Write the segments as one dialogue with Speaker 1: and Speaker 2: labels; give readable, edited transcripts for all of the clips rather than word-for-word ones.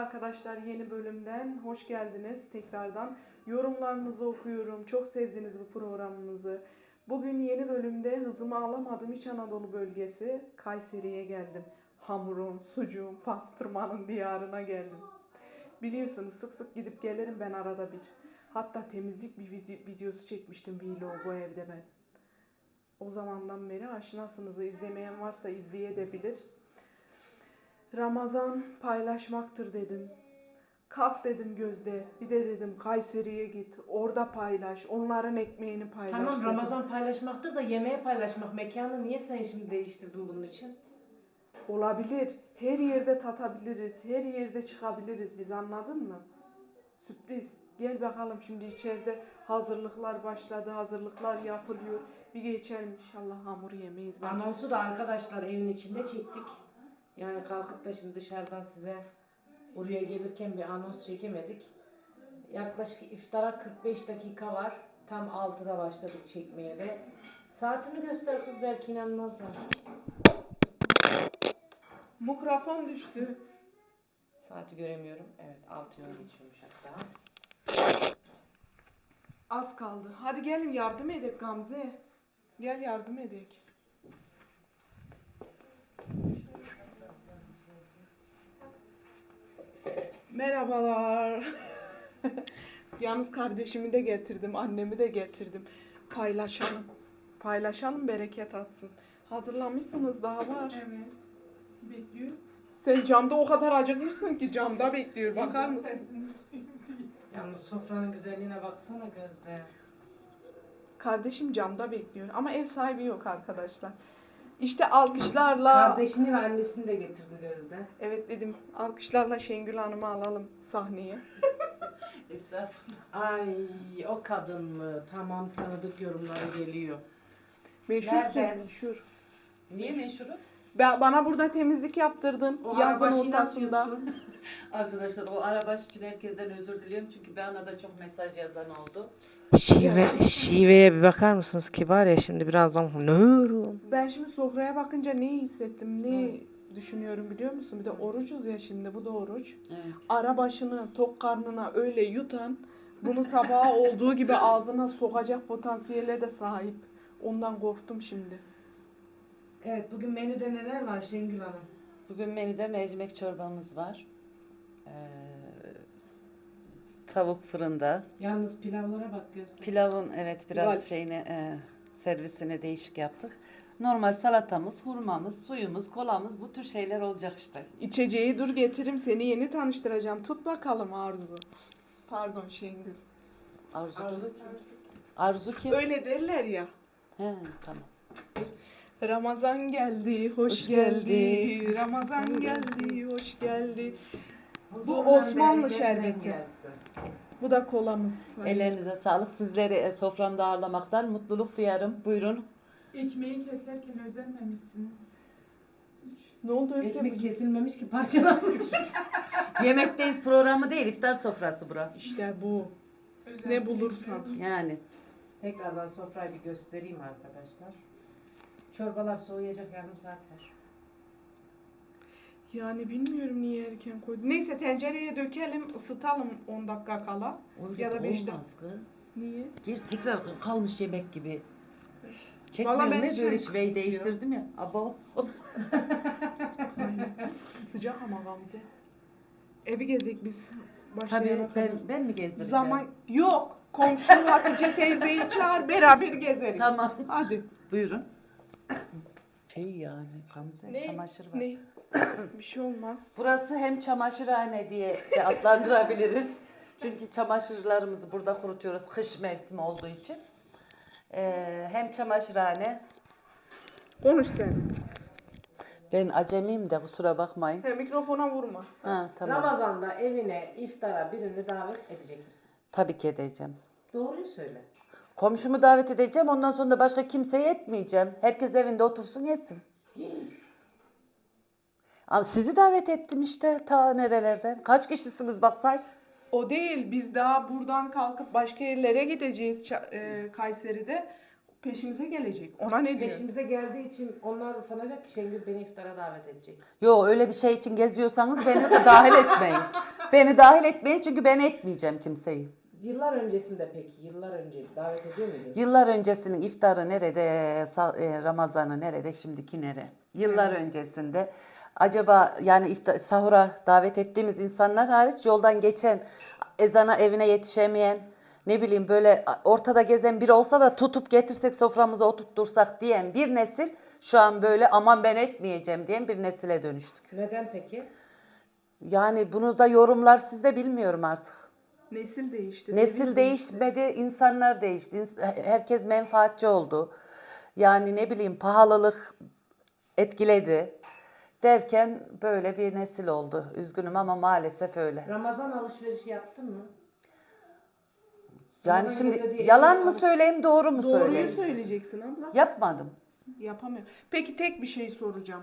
Speaker 1: arkadaşlar, yeni bölümden hoş geldiniz tekrardan. Yorumlarınızı okuyorum. Çok sevdiniz bu programımızı. Bugün yeni bölümde hızımı alamadım. İç Anadolu bölgesi Kayseri'ye geldim. Hamurun, sucuğun, pastırmanın diyarına geldim. Biliyorsunuz sık sık gidip gelirim ben arada bir. Hatta temizlik bir videosu çekmiştim vlog bu evde ben. O zamandan beri aşinasınız. İzlemeyen varsa izleyebilir. Ramazan paylaşmaktır dedim. Kalk dedim Gözde. Bir de dedim Kayseri'ye git. Orada paylaş. Onların ekmeğini paylaş
Speaker 2: Tamam,
Speaker 1: dedim.
Speaker 2: Ramazan paylaşmaktır da yemeğe paylaşmak. Mekanı niye sen şimdi değiştirdin bunun için?
Speaker 1: Olabilir. Her yerde tatabiliriz. Her yerde çıkabiliriz. Biz, anladın mı? Sürpriz. Gel bakalım, şimdi içeride hazırlıklar başladı. Hazırlıklar yapılıyor. Bir geçelim inşallah, hamur yemeyiz.
Speaker 2: Anonsu da arkadaşlar evin içinde çektik. Yani kalkıp da şimdi dışarıdan size buraya gelirken bir anons çekemedik. Yaklaşık iftara 45 dakika var. Tam 6'da başladık çekmeye de. Saatini göster kız, belki inanmazlar.
Speaker 1: Mikrofon düştü.
Speaker 2: Saati göremiyorum. Evet, 6'yı geçiyormuş hatta.
Speaker 1: Az kaldı. Hadi gelin yardım edek Gamze. Gel yardım edek. Merhabalar. Yalnız kardeşimi de getirdim, annemi de getirdim. Paylaşalım. Paylaşalım, bereket atsın. Hazırlamışsınız, daha var.
Speaker 3: Evet. Bekliyor.
Speaker 1: Sen camda o kadar acıkmışsın ki camda bekliyor. Bakar mısın?
Speaker 2: Yalnız sofranın güzelliğine baksana Gözde.
Speaker 1: Kardeşim camda bekliyor ama ev sahibi yok arkadaşlar. İşte alkışlarla...
Speaker 2: Kardeşini ve annesini de getirdi Gözde.
Speaker 1: Evet dedim, alkışlarla Şengül Hanım'ı alalım sahneye.
Speaker 2: Estağfurullah. Ay, o kadın mı? Tamam, tanıdık yorumları geliyor.
Speaker 1: Meşhursun,
Speaker 2: Nereden?
Speaker 1: meşhur.
Speaker 2: Niye meşhuru?
Speaker 1: Bana burada temizlik yaptırdın
Speaker 2: O
Speaker 1: yazın
Speaker 2: arabaşı nasıl
Speaker 1: ortasında.
Speaker 2: yuttun?
Speaker 4: Arkadaşlar, o arabaş için herkesten özür diliyorum çünkü bana da çok mesaj yazan oldu.
Speaker 2: Şiveye bir bakar mısınız ki var ya, şimdi birazdan nörum.
Speaker 1: Ben şimdi sofraya bakınca neyi hissettim, ne düşünüyorum biliyor musun? Bir de orucuz ya şimdi, bu da oruç.
Speaker 4: Evet.
Speaker 1: Ara başını tok karnına öyle yutan, bunu tabağa olduğu gibi ağzına sokacak potansiyele de sahip. Ondan korktum şimdi.
Speaker 2: Evet, bugün menüde neler var Şengül Hanım?
Speaker 4: Bugün menüde mercimek çorbamız var. Tavuk fırında.
Speaker 2: Yalnız pilavlara bak Gözde.
Speaker 4: Pilavın biraz
Speaker 1: Güzel.
Speaker 4: şeyini servisini değişik yaptık. Normal salatamız, hurmamız, suyumuz, kolamız, bu tür şeyler olacak işte.
Speaker 1: İçeceği dur getiririm, seni yeni tanıştıracağım. Tut bakalım Arzu. Pardon Şengül.
Speaker 4: Arzu kim?
Speaker 2: Arzu
Speaker 4: Arzu kim?
Speaker 1: Öyle derler ya.
Speaker 4: He, tamam.
Speaker 1: Ramazan geldi, hoş geldi. Ramazan geldi, hoş geldi. Bu Osmanlı şerbeti. Bu da kolamız.
Speaker 4: Ellerinize sağlık. Sizleri soframda ağırlamaktan mutluluk duyarım. Buyurun.
Speaker 3: Ekmeği keserken özenmemişsiniz.
Speaker 1: Ne oldu Özge?
Speaker 2: Ekmek kesilmemiş ki, parçalanmış.
Speaker 4: Yemekteyiz programı değil, iftar sofrası bura.
Speaker 1: İşte bu.
Speaker 3: Özen
Speaker 1: Ne bulursan.
Speaker 4: Yani.
Speaker 2: Tekrardan sofrayı bir göstereyim arkadaşlar. Çorbalar soğuyacak, yarım saat var.
Speaker 1: Yani bilmiyorum niye erken koydum. Neyse tencereye dökelim, ısıtalım 10 dakika kala.
Speaker 4: Öyle
Speaker 1: Ya da 5 dakika.
Speaker 4: olmaz kız.
Speaker 1: Niye?
Speaker 4: Geri tekrar kalmış yemek gibi.
Speaker 1: Vallahi
Speaker 4: Çekmiyorum,
Speaker 1: ben
Speaker 4: ne
Speaker 1: hiç
Speaker 4: böyle
Speaker 1: öyle
Speaker 4: şiveyi
Speaker 1: kışkırtıyor.
Speaker 4: değiştirdim ya. Abo.
Speaker 1: Aynen. Sıcak ama Gamze. Evi gezek biz.
Speaker 4: Tabii
Speaker 1: Başlayana kadar.
Speaker 4: ben mi gezdireceğim?
Speaker 1: Zaman yok. Komşu Hatice teyzeyi çağır, beraber gezeriz.
Speaker 4: Tamam.
Speaker 1: Hadi.
Speaker 4: Buyurun. Yani Gamze,
Speaker 1: Ne?
Speaker 4: çamaşır var.
Speaker 1: Ne? Bir şey olmaz.
Speaker 4: Burası hem çamaşırhane diye de adlandırabiliriz. Çünkü çamaşırlarımızı burada kurutuyoruz kış mevsimi olduğu için. Hem çamaşırhane.
Speaker 1: Konuş sen.
Speaker 4: Ben acemiyim de kusura bakmayın.
Speaker 1: He, mikrofona vurma.
Speaker 4: Ha, tamam.
Speaker 2: Ramazan'da evine iftara birini davet edecek misin?
Speaker 4: Tabii ki edeceğim.
Speaker 2: Doğruyu söyle.
Speaker 4: Komşumu davet edeceğim. Ondan sonra da başka kimseye etmeyeceğim. Herkes evinde otursun yesin. Ama sizi davet ettim işte ta nerelerden. Kaç kişisiniz bak say.
Speaker 1: O değil. Biz daha buradan kalkıp başka yerlere gideceğiz Kayseri'de. peşimize gelecek. Ona ne diyor?
Speaker 2: Peşimize geldiği için onlar da sanacak ki Şengül beni iftara davet edecek.
Speaker 4: Yo, öyle bir şey için geziyorsanız beni de dahil etmeyin. Beni dahil etmeyin çünkü ben etmeyeceğim kimseyi.
Speaker 2: Yıllar öncesinde peki, yıllar önce davet ediyor muydun?
Speaker 4: Yıllar öncesinin iftarı nerede, Ramazan'ı nerede, şimdiki nere? Yıllar öncesinde acaba yani sahura davet ettiğimiz insanlar hariç yoldan geçen, ezana evine yetişemeyen, ne bileyim böyle ortada gezen biri olsa da tutup getirsek soframıza oturtursak diyen bir nesil şu an böyle aman ben etmeyeceğim diyen bir nesile dönüştük.
Speaker 2: Neden peki?
Speaker 4: Yani bunu da yorumlar sizde bilmiyorum artık.
Speaker 1: Nesil değişti.
Speaker 4: Nesil
Speaker 1: devir
Speaker 4: değişmedi, insanlar değişti. Herkes menfaatçi oldu. Yani ne bileyim pahalılık etkiledi. Derken böyle bir nesil oldu. Üzgünüm ama maalesef öyle.
Speaker 2: Ramazan alışverişi yaptın mı?
Speaker 4: Yani
Speaker 2: Ramazan
Speaker 4: şimdi
Speaker 2: geliyor diye
Speaker 4: yalan mı
Speaker 2: alış-
Speaker 4: söyleyeyim, doğru mu
Speaker 1: Doğruyu
Speaker 4: söyleyeyim?
Speaker 1: söyleyeceksin abla.
Speaker 4: Yapmadım.
Speaker 1: Yapamıyorum. Peki tek bir şey soracağım.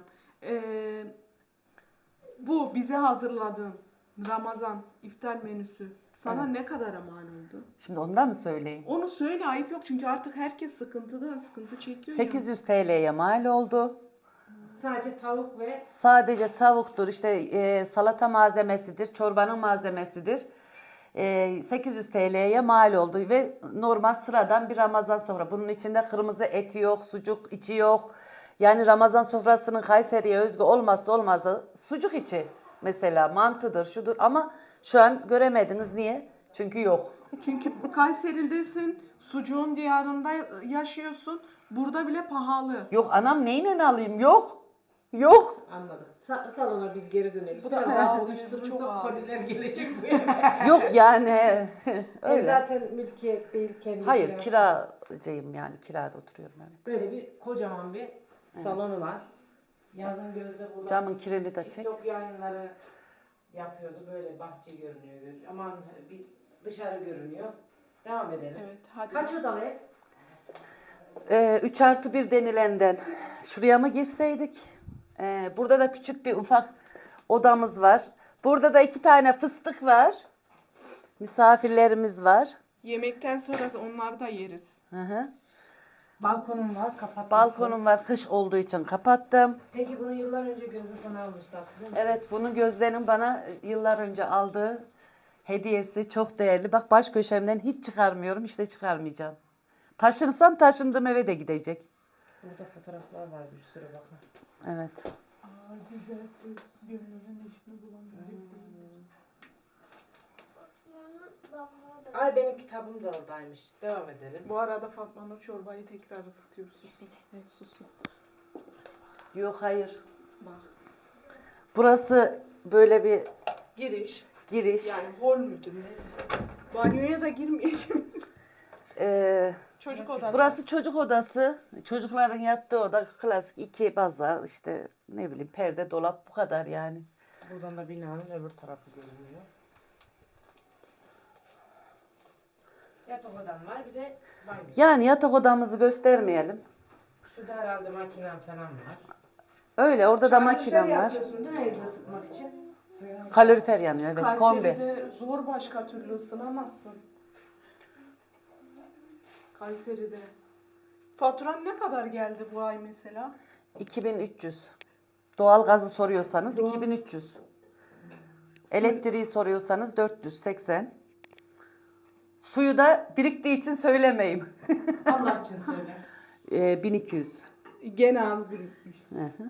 Speaker 1: Bu bize hazırladığın Ramazan iftar menüsü sana ne kadara mal oldu?
Speaker 4: Şimdi ondan mı söyleyeyim?
Speaker 1: Onu söyle, ayıp yok çünkü artık herkes sıkıntı çekiyor.
Speaker 4: 800 TL'ye mal oldu.
Speaker 2: Sadece tavuk ve
Speaker 4: Sadece tavuktur, işte salata malzemesidir, çorbanın malzemesidir. 800 TL'ye mal oldu ve normal sıradan bir Ramazan sofra. Bunun içinde kırmızı eti yok, sucuk içi yok. Yani Ramazan sofrasının Kayseri'ye özgü olmazsa olmazı sucuk içi. Mesela mantıdır, şudur ama şu an göremediniz. Niye? Çünkü yok.
Speaker 1: Çünkü Kayseri'desin, sucuğun diyarında yaşıyorsun. Burada bile pahalı.
Speaker 4: Yok anam, neyle alayım? Yok. Yok.
Speaker 2: anladık. Salona biz geri dönelim.
Speaker 1: Bu
Speaker 2: Bu
Speaker 1: da
Speaker 2: da
Speaker 1: pahalı,
Speaker 2: daha
Speaker 1: çok
Speaker 2: konuşturursak
Speaker 1: pahalı.
Speaker 2: koliler gelecek bu eve.
Speaker 4: Yok yani.
Speaker 2: Ev
Speaker 4: Öyle.
Speaker 2: zaten mülkiyet değil, kendi
Speaker 4: Hayır,
Speaker 2: kirası.
Speaker 4: kiracıyım yani. Kirada oturuyorum, evet.
Speaker 2: Böyle bir kocaman bir salonu var. Yazın Gözde burada
Speaker 4: Camın kirini de çek.
Speaker 2: TikTok yayınları yapıyordu. Böyle bahçe görünüyor. Aman bir dışarı görünüyor. Devam edelim.
Speaker 1: Evet, hadi.
Speaker 2: Kaç odalı ev?
Speaker 4: 3+1 denilenden şuraya mı girseydik? Burada da küçük bir ufak odamız var. Burada da 2 tane fıstık var. Misafirlerimiz var.
Speaker 1: Yemekten sonra onları da yeriz.
Speaker 4: Hı hı.
Speaker 2: Balkonum var, kapatmışsın.
Speaker 4: Balkonum var, kış olduğu için kapattım.
Speaker 2: Peki bunu yıllar önce Gözde sana almıştı, hatırlıyor musun?
Speaker 4: Evet, bunu Gözde'nin bana yıllar önce aldığı hediyesi, çok değerli. Bak, baş köşemden hiç çıkarmıyorum, işte çıkarmayacağım. Taşınsam taşındığım eve de gidecek.
Speaker 2: Burada fotoğraflar var bir sürü bakın.
Speaker 4: Evet.
Speaker 3: Aa, güzelsiz. Gönlünün eşini bulan
Speaker 2: Ay benim kitabım da oradaymış. Devam edelim.
Speaker 1: Bu arada Fatma Nur çorbayı tekrar ısıtıyor. Susun. Evet, susun.
Speaker 4: Yok, hayır.
Speaker 1: Bak.
Speaker 4: Burası böyle bir
Speaker 1: Giriş.
Speaker 4: giriş.
Speaker 1: Yani hol müdür ne? Banyoya da girmeyelim. Çocuk odası.
Speaker 4: Burası çocuk odası. Çocukların yattığı oda, klasik 2 baza, işte ne bileyim perde, dolap, bu kadar yani.
Speaker 2: Buradan da binanın öbür tarafı görünüyor. Yatak odam var, bir de banyo.
Speaker 4: Yani yatak odamızı göstermeyelim.
Speaker 2: Şurada herhalde makinem falan var.
Speaker 4: Öyle, orada da
Speaker 2: Çamaşır
Speaker 4: makinem var.
Speaker 2: yapıyorsun değil mi evde ısıtmak için?
Speaker 4: Kalorifer yanıyor, evet, kombi.
Speaker 1: Kayseri'de zor başka türlü ısınamazsın. Kayseri'de. Faturan ne kadar geldi bu ay mesela?
Speaker 4: 2300. Doğalgazı soruyorsanız
Speaker 1: Doğal-
Speaker 4: 2300. Elektriği soruyorsanız 480. Suyu da biriktiği için söylemeyeyim.
Speaker 2: Allah için söyle.
Speaker 4: 1200.
Speaker 1: Gene az birikmiş.
Speaker 4: Hı hı.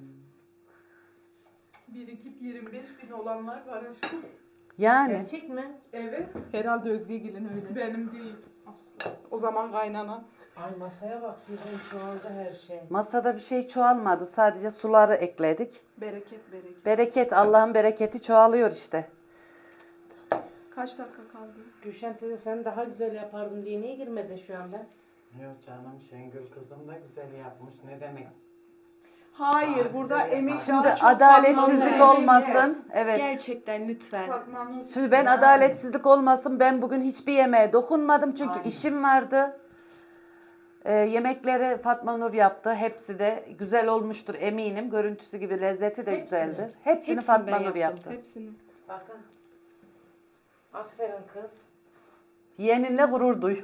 Speaker 3: birikip 25.000 olanlar var aşkım.
Speaker 4: Yani
Speaker 2: Gerçek mi?
Speaker 3: Evet.
Speaker 1: Herhalde Özgegil'in öyle.
Speaker 3: Benim değil. Asla.
Speaker 1: O zaman kaynana.
Speaker 2: Ay masaya bak, birden çoğaldı her şey.
Speaker 4: masada bir şey çoğalmadı. Sadece suları ekledik.
Speaker 1: Bereket bereket.
Speaker 4: Bereket, Allah'ın bereketi çoğalıyor işte.
Speaker 1: Kaç dakika kaldı?
Speaker 2: Gülşen teyze sen daha güzel yapardın diye niye girmedin şu anda?
Speaker 5: Yok canım, Şengül kızım da güzel yapmış. Ne demek?
Speaker 1: Hayır,
Speaker 5: Aa,
Speaker 1: burada
Speaker 5: güzel
Speaker 1: emek
Speaker 5: yapar.
Speaker 1: daha
Speaker 4: Şimdi
Speaker 1: çok
Speaker 4: adaletsizlik
Speaker 1: fazla.
Speaker 4: olmasın. Evet.
Speaker 6: Gerçekten lütfen.
Speaker 3: Fatma Nur.
Speaker 4: Şimdi ben adaletsizlik olmasın. Ben bugün hiçbir yemeğe dokunmadım çünkü
Speaker 5: Aynen.
Speaker 4: işim vardı. Yemekleri Fatma Nur yaptı. Hepsi de güzel olmuştur eminim. Görüntüsü gibi lezzeti de
Speaker 2: Hepsini.
Speaker 4: güzeldir. Hepsini
Speaker 6: Hepsini
Speaker 4: Fatma
Speaker 6: ben
Speaker 4: Nur
Speaker 6: yaptım.
Speaker 4: yaptı.
Speaker 1: Hepsini.
Speaker 2: Bakın. Aferin kız.
Speaker 4: Yeğeninle gurur duy.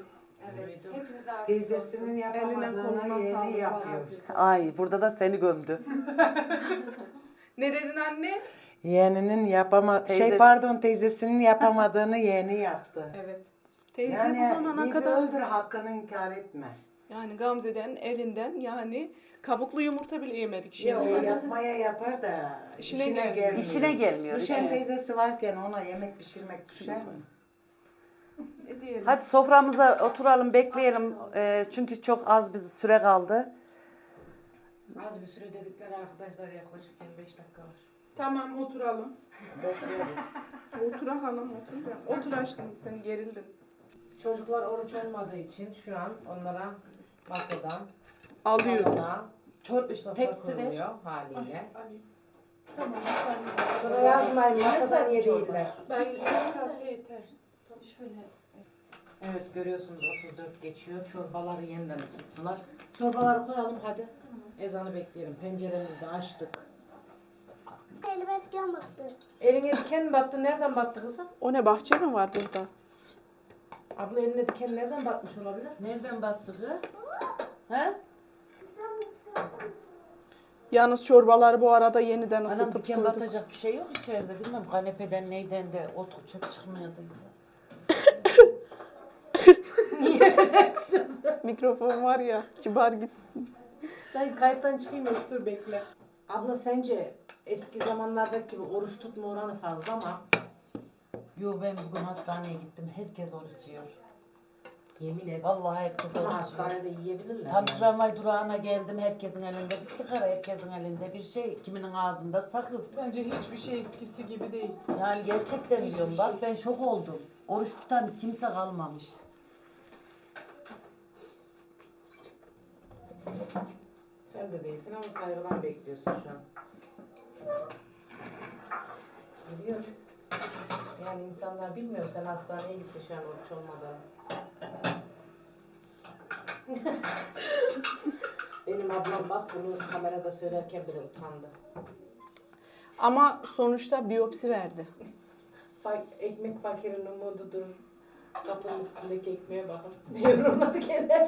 Speaker 2: Evet.
Speaker 3: Hepinize afiyet olsun.
Speaker 5: Teyzesinin
Speaker 1: Eline koluna
Speaker 5: yapamadığını yeni
Speaker 1: sağlık.
Speaker 5: yapıyor.
Speaker 4: Ay burada da seni gömdü.
Speaker 1: Ne dedin anne?
Speaker 5: Yeğeninin teyzesinin yapamadığını yeğeni yaptı.
Speaker 1: Evet. Teyze
Speaker 5: Yani
Speaker 1: bu zamana
Speaker 5: iyi
Speaker 1: kadar
Speaker 5: öldür, hakkını inkar etme.
Speaker 1: yani Gamze'den elinden yani kabuklu yumurta bile yemedik şimdi.
Speaker 5: Ya o yapmaya yapar da
Speaker 1: İşine
Speaker 5: işine
Speaker 1: gelmiyor.
Speaker 5: gelmiyor.
Speaker 4: İşine gelmiyor.
Speaker 5: Düşen
Speaker 4: işte.
Speaker 5: teyzesi varken ona yemek pişirmek düşer mi?
Speaker 1: Ne diyelim?
Speaker 4: Hadi soframıza oturalım, bekleyelim. Çünkü çok az bir süre kaldı.
Speaker 2: Az bir süre dedikleri arkadaşlar yaklaşık 25 dakika var.
Speaker 3: Tamam oturalım.
Speaker 5: Bekleriz.
Speaker 1: Otur hanım otur. Ya. Otur aşkım sen gerildin.
Speaker 2: Çocuklar oruç olmadığı için şu an onlara masadan
Speaker 1: Alıyoruz.
Speaker 2: sofra
Speaker 4: tepsi ver.
Speaker 2: kuruluyor haliyle.
Speaker 3: Tamam.
Speaker 2: Sonra yazmayın masadan yediler.
Speaker 3: Ben yarım kase yeter.
Speaker 2: Şöyle. Evet görüyorsunuz 34 geçiyor. Çorbaları yeniden ısıttılar. Çorbaları koyalım hadi. Ezanı bekleyelim. Penceremizi de açtık.
Speaker 6: Elime diken battı.
Speaker 2: Eline diken mi battı? Nereden battı kızım?
Speaker 1: O ne bahçe mi var burada?
Speaker 2: Abla eline diken nereden batmış olabilir?
Speaker 4: Nereden battı kız? He?
Speaker 1: Yalnız çorbaları bu arada yeniden
Speaker 4: Anam
Speaker 1: ısıtıp
Speaker 4: diken
Speaker 1: koyduk.
Speaker 4: batacak bir şey yok içeride. Bilmem kanepeden neyden de ot çöp çıkmıyorduysa.
Speaker 1: Mikrofon var ya kibar gitsin.
Speaker 2: Ben kayıttan çıkayım dur bekle. Abla sence eski zamanlardaki gibi oruç tutma oranı fazla ama
Speaker 4: Yo ben bugün hastaneye gittim. Herkes oruç yiyor.
Speaker 2: yemin et.
Speaker 4: Vallahi herkes
Speaker 2: Ama
Speaker 4: oruç yiyor.
Speaker 2: hastanede yiyebilirler.
Speaker 4: Tam
Speaker 2: yani.
Speaker 4: tramvay durağına geldim. Herkesin elinde bir sigara, herkesin elinde bir şey. Kiminin ağzında sakız.
Speaker 3: Bence hiçbir şey eskisi gibi değil.
Speaker 4: Yani gerçekten
Speaker 3: Hiçbir
Speaker 4: diyorum bak ben şok oldum. Oruç tutan kimse kalmamış.
Speaker 2: Sen de değilsin ama saygıdan bekliyorsun şu an. Biliyoruz. Yani insanlar bilmiyor sen hastaneye gittin şu an oruç olmadan. Benim ablam bak bunu kamerada söylerken bile utandı.
Speaker 1: Ama sonuçta biyopsi verdi.
Speaker 2: Ekmek fakirin umududur. Kapının üstündeki ekmeğe bakın. Ne yorumlar gelir.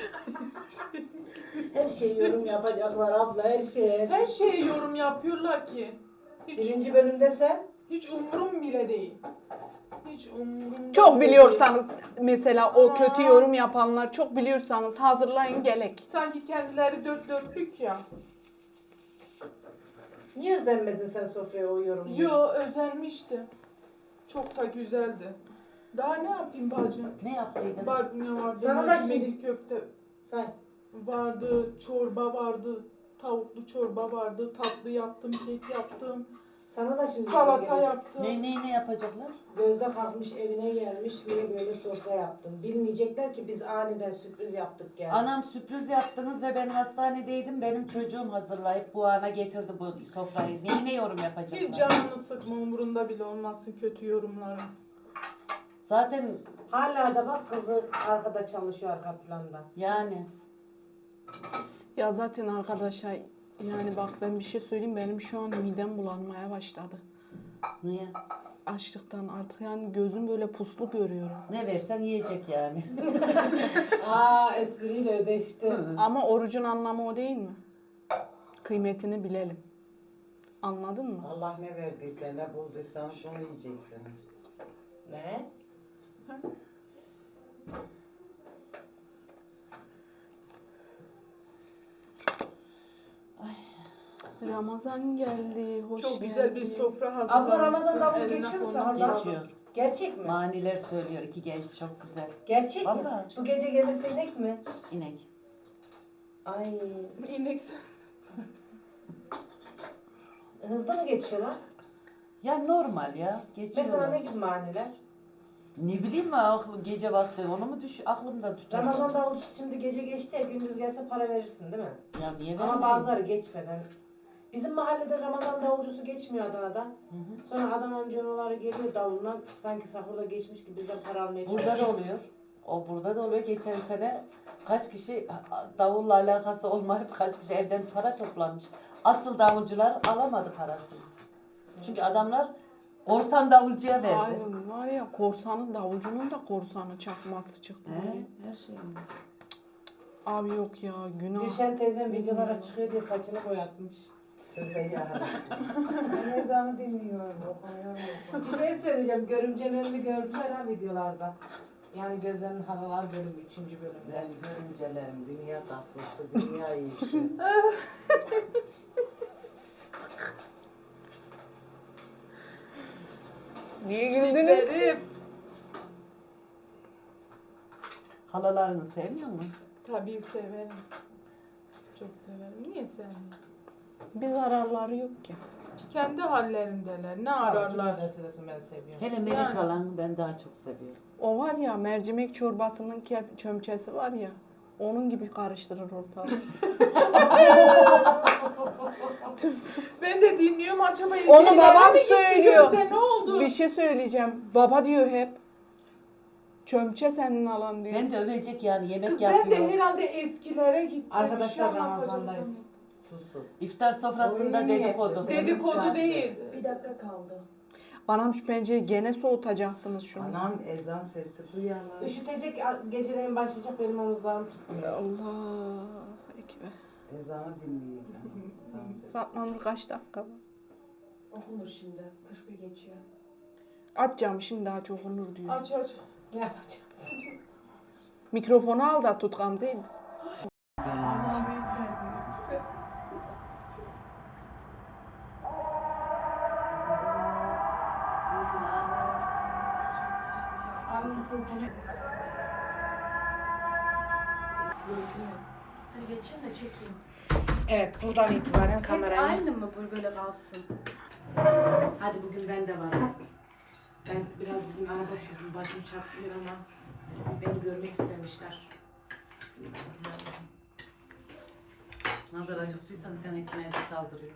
Speaker 2: Her şey yorum yapacaklar abla her şey.
Speaker 3: Her şeye yorum yapıyorlar ki. Hiç,
Speaker 2: Birinci bölümde sen
Speaker 3: hiç umurum bile değil. Hiç umurum
Speaker 1: Çok
Speaker 3: bile
Speaker 1: biliyorsanız mesela o
Speaker 3: Aa.
Speaker 1: kötü yorum yapanlar çok biliyorsanız hazırlayın gelek.
Speaker 3: değil. Sanki kendileri dört dörtlük ya.
Speaker 2: niye özenmedin sen sofraya o yorumu?
Speaker 3: Yo özenmişti. Çok da güzeldi. Daha ne yapayım bacım?
Speaker 4: Ne yaptıydın?
Speaker 3: Barbunya vardı,
Speaker 2: Sana da
Speaker 3: mercimek
Speaker 2: şimdi-
Speaker 3: köfte
Speaker 2: Sen
Speaker 3: vardı, çorba vardı, tavuklu çorba vardı, tatlı yaptım, kek yaptım,
Speaker 2: sana da şimdi
Speaker 3: salata
Speaker 2: gelecek.
Speaker 3: yaptım.
Speaker 4: Ne yapacaklar?
Speaker 2: Gözde kalkmış evine gelmiş niye böyle sofra yaptın? Bilmeyecekler ki biz aniden sürpriz yaptık yani.
Speaker 4: Anam sürpriz yaptınız ve ben hastanedeydim. Benim çocuğum hazırlayıp bu ana getirdi bu sofrayı. Ne yorum
Speaker 3: Hiç
Speaker 4: yapacaklar?
Speaker 3: canını sıkma, umurunda bile olmazsın kötü yorumların.
Speaker 4: Zaten
Speaker 2: Hala da bak kızı arkada çalışıyor arka planda.
Speaker 4: yani
Speaker 1: Ya zaten arkadaşlar yani bak ben bir şey söyleyeyim benim şu an midem bulanmaya başladı.
Speaker 4: niye?
Speaker 1: Açlıktan artık yani gözüm böyle puslu görüyorum.
Speaker 4: Ne versen yiyecek yani.
Speaker 2: Aa espriyle ödeşti.
Speaker 1: Ama orucun anlamı o değil mi? Kıymetini bilelim. Anladın mı?
Speaker 5: Allah ne verdiyse ne bulduysanız onu yiyeceksiniz.
Speaker 2: Ne?
Speaker 1: Ramazan geldi, hoş
Speaker 3: Çok
Speaker 1: geldi.
Speaker 3: güzel bir sofra hazırlamışsın.
Speaker 2: Abla Ramazan'da bu
Speaker 3: Eline
Speaker 2: geçiyor mu
Speaker 3: koluna
Speaker 2: sana?
Speaker 3: sağlık.
Speaker 4: Geçiyor.
Speaker 2: Gerçek mi?
Speaker 4: Maniler söylüyor iki genç çok güzel.
Speaker 2: Gerçek mi?
Speaker 4: Vallahi.
Speaker 2: Bu gece gelirse inek mi?
Speaker 4: İnek.
Speaker 2: Ay
Speaker 3: İnek
Speaker 2: hızlı mı geçiyorlar?
Speaker 4: Ya normal ya. Geçiyor.
Speaker 2: Mesela ne gibi maniler?
Speaker 4: Ne bileyim ben gece vakti onu mu aklımda tutar.
Speaker 2: Ramazan davulcusu şimdi gece geçti ya gündüz gelse para verirsin değil mi?
Speaker 4: Ya niye
Speaker 2: Ama
Speaker 4: vermeyeyim?
Speaker 2: bazıları geçmeden. Bizim mahallede Ramazan davulcusu geçmiyor Adana'da. Sonra Adana amcaoğulları geliyor davulla sanki sahurda geçmiş gibi bizden para almaya çalışıyor.
Speaker 4: Burada da oluyor. O burada da oluyor. Geçen sene kaç kişi davulla alakası olmayıp kaç kişi evden para toplamış. Asıl davulcular alamadı parasını. Çünkü adamlar Orsan davulcuya verdi.
Speaker 1: Aynen var ya korsanın davulcunun da korsanı çakması çıktı.
Speaker 4: Her şey.
Speaker 1: Abi yok ya günah.
Speaker 2: Gülşen teyzem videolara çıkıyor diye saçını boyatmış. Tövbe ya. Ben ezanı dinliyorum. Bir şey söyleyeceğim. Görümcenin önünü gördüler ha videolarda. Yani Gözlerinin Halalar bölümü 3. bölümde.
Speaker 5: Ben görümcelerim, dünya tatlısı, dünya iyisi.
Speaker 1: Niye güldünüz?
Speaker 4: Halalarını sevmiyor mu?
Speaker 3: Tabii severim. Çok severim. Niye sevmiyorum?
Speaker 1: Bir zararları yok ki.
Speaker 3: Kendi hallerindeler. Ne
Speaker 2: Ararlar
Speaker 3: ararlar?
Speaker 2: derse desin ben seviyorum.
Speaker 4: Hele melek
Speaker 3: Yani.
Speaker 4: alanı ben daha çok seviyorum.
Speaker 1: O var ya mercimek çorbasının çömçesi var ya. Onun gibi karıştırır ortalığı.
Speaker 3: Ben de dinliyorum acaba.
Speaker 1: Onu
Speaker 3: izleyiciler
Speaker 1: babam
Speaker 3: mi gitti
Speaker 1: söylüyor.
Speaker 3: Gözde, ne oldu?
Speaker 1: Bir şey söyleyeceğim. Baba diyor hep. Çömçe senin alan diyor.
Speaker 4: Ben de övecek yani yemek
Speaker 3: Kız
Speaker 4: yapıyor.
Speaker 3: ben de herhalde eskilere gittim.
Speaker 2: Arkadaşlar,
Speaker 3: Bir şey anlatacağım
Speaker 2: Ramazan'dayız.
Speaker 3: sana.
Speaker 5: Susun.
Speaker 4: İftar sofrasında
Speaker 2: Oyun
Speaker 4: dedikodu.
Speaker 3: Dedikodu değil.
Speaker 6: Bir dakika kaldı.
Speaker 1: Anam şu pencereyi gene soğutacaksınız şunu.
Speaker 5: Anam ezan sesi duyarlar.
Speaker 2: Üşütecek geceleyin başlayacak benim omuzlarım tutmuyor.
Speaker 1: Allah ekber.
Speaker 5: Ezanı dinleyin. Ezan sesi.
Speaker 1: Fatma Nur kaç dakika var?
Speaker 6: Okunur şimdi. 41 geçiyor.
Speaker 1: Atacağım şimdi daha çok onur diyor.
Speaker 3: Aç aç.
Speaker 2: Ne yapacağız?
Speaker 1: Mikrofonu al da tut Gamze'yi.
Speaker 6: Hadi geçeyim de çekeyim.
Speaker 2: Evet buradan itibaren
Speaker 6: Hep
Speaker 2: kamerayı...
Speaker 6: aynı mı böyle kalsın?
Speaker 2: Hadi bugün ben de varım. Ben biraz sizin araba sürdüm. Başım çarpmıyor ama beni görmek istemişler. Bismillahirrahmanirrahim.
Speaker 4: Ne kadar acıktıysan sen ekmeğe de saldırıyor.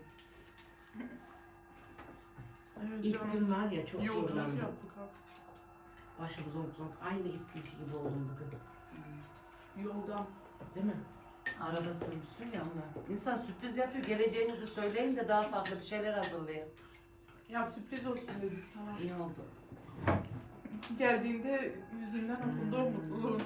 Speaker 3: Evet
Speaker 2: İlk gün var ya çok
Speaker 3: Yolculuk
Speaker 2: zorlandım.
Speaker 3: yaptık abi.
Speaker 2: Başım zonk zonk. Aynı ilk günkü gibi oldum bugün.
Speaker 3: Yoldan.
Speaker 2: Değil mi?
Speaker 4: Arada sürmüşsün ya onlar. İnsan sürpriz yapıyor. Geleceğinizi söyleyin de daha farklı bir şeyler hazırlayın.
Speaker 3: Ya sürpriz olsun dedik sana.
Speaker 4: İyi oldu.
Speaker 3: Geldiğinde yüzünden okundu o mutluluğun.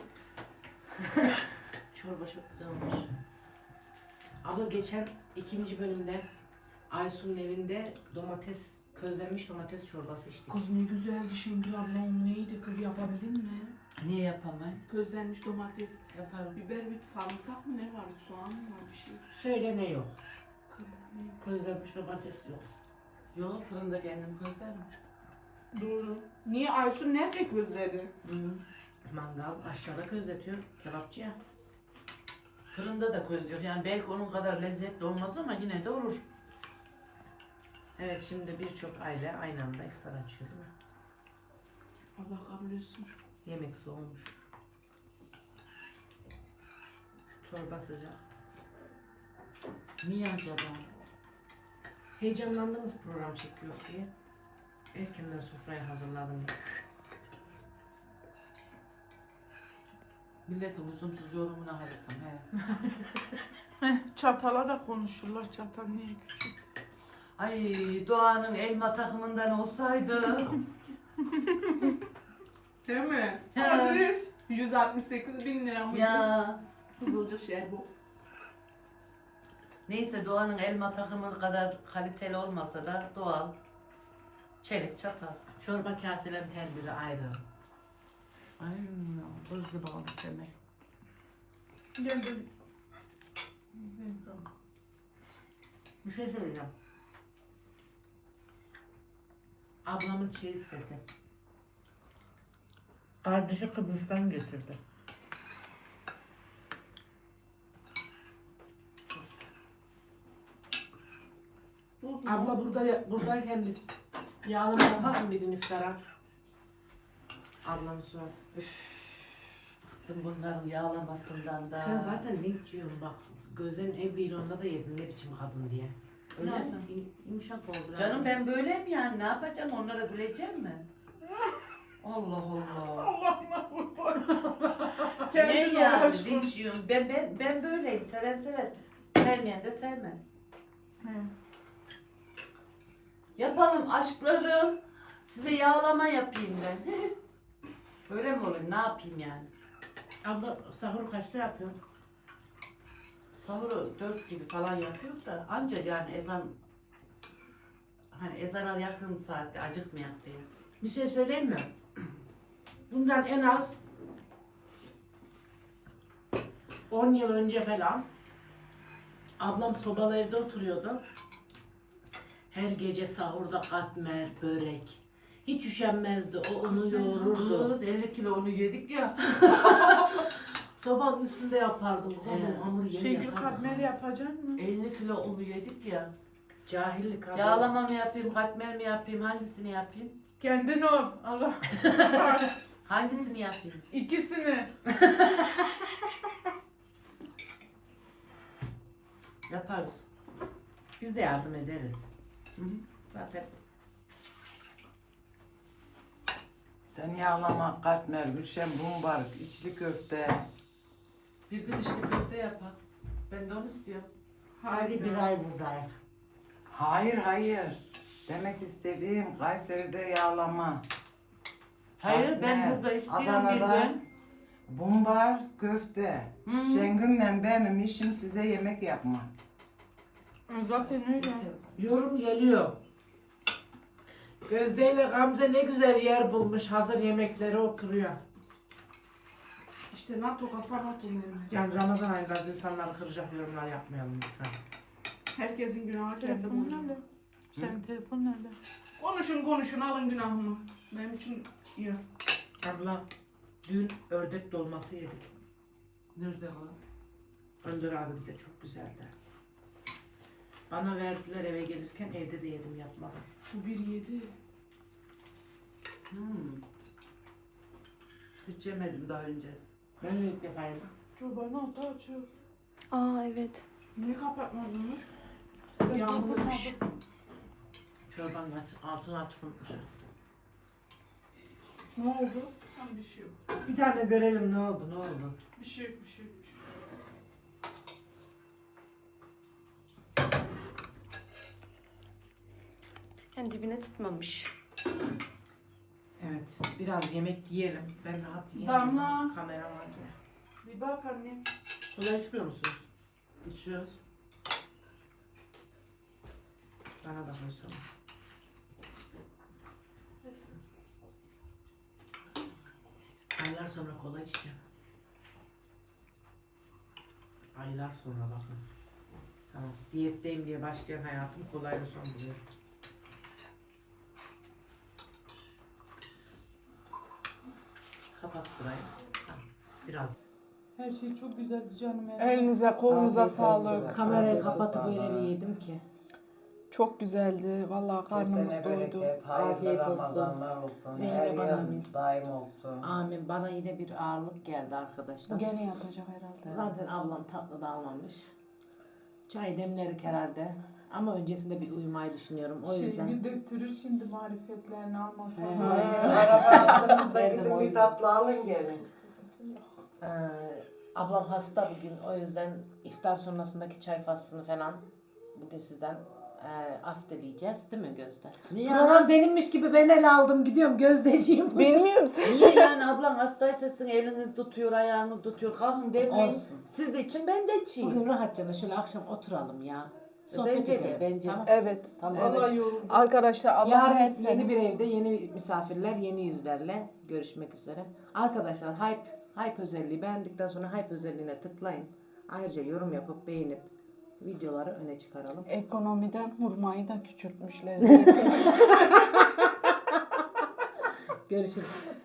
Speaker 2: Çorba çok güzel olmuş. Abla geçen 2. bölümde Aysun'un evinde közlenmiş domates çorbası içtik.
Speaker 3: Kız ne güzeldi Şengül abla, o neydi kız, yapabildin mi?
Speaker 4: Niye yapamayın?
Speaker 3: Közlenmiş domates,
Speaker 4: Yaparım.
Speaker 3: biber, bir sarımsak mı ne vardı, soğan mı var bir şey?
Speaker 2: Söyle ne yok.
Speaker 3: Ne?
Speaker 2: Közlenmiş domates yok.
Speaker 4: Yok fırında kendim közlerim.
Speaker 3: Doğru. Niye Aysun nerede közledi?
Speaker 2: Mangal aşağıda közletiyor kebapçı ya.
Speaker 4: Fırında da közlüyor. Yani belki onun kadar lezzetli olmaz ama yine de olur.
Speaker 2: Evet şimdi birçok aile aynı anda iftar açıyor değil mi?
Speaker 3: Allah kabul etsin.
Speaker 2: Yemek soğumuş. Çorba sıcak.
Speaker 4: Niye acaba?
Speaker 2: Heyecanlandınız program çekiyor diye. Erkenden sofrayı hazırladım.
Speaker 4: Milletin lüzumsuz yorumuna harısın he.
Speaker 3: Çatala da konuşurlar, çatal niye küçük?
Speaker 4: Ay Doğan'ın elma takımından olsaydı.
Speaker 3: Değil mi?
Speaker 4: He.
Speaker 3: Adres 168.000 lira mıydı?
Speaker 4: Ya.
Speaker 3: Kızılcık şey bu.
Speaker 4: Neyse Doğan'ın elma takımı kadar kaliteli olmasa da doğal. Çelik çatal.
Speaker 2: Çorba kaselerin her biri ayrı.
Speaker 4: Ay buz gibi olmuş demek.
Speaker 3: Gel de.
Speaker 2: Bir şey söyleyeceğim. Ablamın çeyiz seti. Kardeşi Kıbrıs'tan getirdi. Abla buradayken biz yağlama yapalım bir gün iftara. Ablamın suratı.
Speaker 4: Bıktım bunların yağlamasından da.
Speaker 2: Sen zaten ne diyorsun bak. Gözlerin ev vlogunda da yedin ne biçim kadın diye. Öyle
Speaker 4: Ne?
Speaker 2: mi? Yumuşak oldu.
Speaker 4: Canım ben böyleyim yani ne yapacağım onlara güleceğim mi? Allah Allah.
Speaker 3: Allah'ıma kurban.
Speaker 4: Ne
Speaker 3: Kendine
Speaker 4: yani
Speaker 3: uğraşma.
Speaker 4: linç yiyorum. Ben böyleyim. Seven sever. Sevmeyen de sevmez.
Speaker 3: He.
Speaker 4: Yapalım aşklarım. Size yağlama yapayım ben. Böyle mi olayım? Ne yapayım yani?
Speaker 2: Abla sahur kaçta yapıyorsun?
Speaker 4: Sahuru 4 gibi falan yapıyor da ancak yani ezan hani ezana yakın saatte acıkmayak diye.
Speaker 2: Bir şey söyleyeyim mi? Bundan en az 10 yıl önce falan ablam sobalı evde oturuyordu. Her gece sahurda katmer, börek. Hiç üşenmezdi. O onu yoğururdu.
Speaker 4: Kız 50 kilo onu yedik ya.
Speaker 2: Sobanın üstünde yapardım.
Speaker 4: Evet.
Speaker 2: Hamur yeni
Speaker 3: Şengül
Speaker 2: yapardım.
Speaker 3: katmer yapacaksın mı?
Speaker 4: 50 kilo onu yedik ya.
Speaker 2: Cahillik abi.
Speaker 4: Yağlama mı yapayım, katmer mi yapayım, hangisini yapayım?
Speaker 3: Kendin ol. Allah.
Speaker 4: Hangisini yapayım?
Speaker 3: İkisini.
Speaker 4: Yaparız.
Speaker 2: Biz de yardım ederiz.
Speaker 4: Hı hı.
Speaker 2: Zaten
Speaker 5: Sen yağlama, katmer, müşem, bumbar, içli köfte.
Speaker 4: Bir gün işte köfte yapar. Ben de onu istiyorum.
Speaker 2: hadi bir ay buradayım.
Speaker 5: Hayır hayır. Demek istediğim Kayseri'de yağlama.
Speaker 4: Hayır ben
Speaker 5: Katmer,
Speaker 4: burada istiyorum
Speaker 5: Adana'da
Speaker 4: bir gün.
Speaker 5: Bumbar, köfte. Şengül'le benim işim size yemek yapmak.
Speaker 3: Zaten öyle.
Speaker 2: Yorum geliyor. Gözde ile Gamze ne güzel yer bulmuş. Hazır yemekleri oturuyor.
Speaker 1: İşte NATO kafa NATO mermer.
Speaker 2: Yani Ramazan ayında insanları kıracak yorumlar yapmayalım lütfen.
Speaker 1: Herkesin günahı kendi
Speaker 3: Telefon
Speaker 1: boynuna.
Speaker 3: nerede? Senin telefon nerede?
Speaker 1: Konuşun alın günahımı. Benim için iyi.
Speaker 2: Abla dün ördek dolması yedik.
Speaker 4: Nerede lan?
Speaker 2: Önder abi de çok güzeldi. Bana verdiler eve gelirken evde de yedim yapmadım.
Speaker 1: Bu 1.7.
Speaker 4: Hiç yemedim daha önce.
Speaker 2: Ben de ilk defa yedim.
Speaker 3: Çobanın altı açıyor.
Speaker 7: Aa evet.
Speaker 1: Niye kapatmadın?
Speaker 3: Yağmurmuş.
Speaker 2: Çorbanın altını açık unutmuşum.
Speaker 3: Ne oldu?
Speaker 1: Tam bir şey yok.
Speaker 2: Bir tane görelim ne oldu ne oldu.
Speaker 1: Bir şey yok. Bir şey yok.
Speaker 7: Yani dibine tutmamış.
Speaker 2: Evet biraz yemek yiyelim. Ben rahat yiyeyim.
Speaker 3: Damla.
Speaker 2: Kamera var diye.
Speaker 3: Bir bak anne.
Speaker 2: Kola içmiyor musun?
Speaker 4: İçiyoruz.
Speaker 2: Bana da koysana. Aylar sonra kola içeceğim. Aylar sonra bakın. Tamam. Diyetteyim diye başlayan hayatım kolayla son buluyor. Kapat burayı. Tamam. Biraz.
Speaker 3: Her şey çok güzeldi canım.
Speaker 1: Elinize kolunuza
Speaker 5: Afiyet
Speaker 1: sağlık.
Speaker 5: olsun.
Speaker 2: Kamerayı
Speaker 5: Afiyet
Speaker 2: kapatıp
Speaker 5: olsun.
Speaker 2: öyle bir yedim ki.
Speaker 1: Çok güzeldi. Vallahi karnımız
Speaker 5: Kesene
Speaker 1: doydu.
Speaker 5: bereket, hayırlı
Speaker 2: Afiyet olsun.
Speaker 5: Ramazanlar olsun.
Speaker 2: Ve
Speaker 5: Her
Speaker 2: yine bana
Speaker 5: yıl
Speaker 2: amin.
Speaker 5: daim olsun.
Speaker 2: Amin. Bana yine bir ağırlık geldi
Speaker 1: Bu
Speaker 2: arkadaşlar.
Speaker 1: gene yapacak herhalde.
Speaker 2: Zaten ablam tatlı da almamış. Çay demlerik herhalde. Ama öncesinde bir uyumayı düşünüyorum. O yüzden.
Speaker 3: Şengül döktürür şimdi marifetlerini almasa.
Speaker 5: Arabanızda
Speaker 2: Nerede
Speaker 5: gidin
Speaker 2: boyun?
Speaker 5: bir tatlı alın gelin.
Speaker 2: Ee, ablam hasta bugün. O yüzden iftar sonrasındaki çay faslını falan bugün sizden af dileyeceğiz. Değil mi Gözde?
Speaker 4: Niye
Speaker 2: Program benimmiş gibi ben ele aldım. Gidiyorum Gözdeciğim.
Speaker 1: Bilmiyorum sen.
Speaker 4: Niye yani ablam hastaysa sizin eliniz tutuyor, ayağınız tutuyor. Kalkın demeyin.
Speaker 2: Olsun.
Speaker 4: Siz de için ben de içeyim.
Speaker 2: Bugün rahatça şöyle akşam oturalım ya. Sohbet
Speaker 4: Bence de,
Speaker 2: edelim.
Speaker 4: bence de.
Speaker 2: Tamam.
Speaker 1: Evet.
Speaker 2: Tamam.
Speaker 3: Vallahi yoruldum.
Speaker 1: Arkadaşlar Allah her
Speaker 2: Yarın
Speaker 1: sene.
Speaker 2: yeni bir evde yeni misafirler, yeni yüzlerle görüşmek üzere. Arkadaşlar hype özelliği beğendikten sonra hype özelliğine tıklayın. Ayrıca yorum yapıp beğenip videoları öne çıkaralım.
Speaker 1: Ekonomiden hurmayı da küçültmüşler.
Speaker 2: Görüşürüz.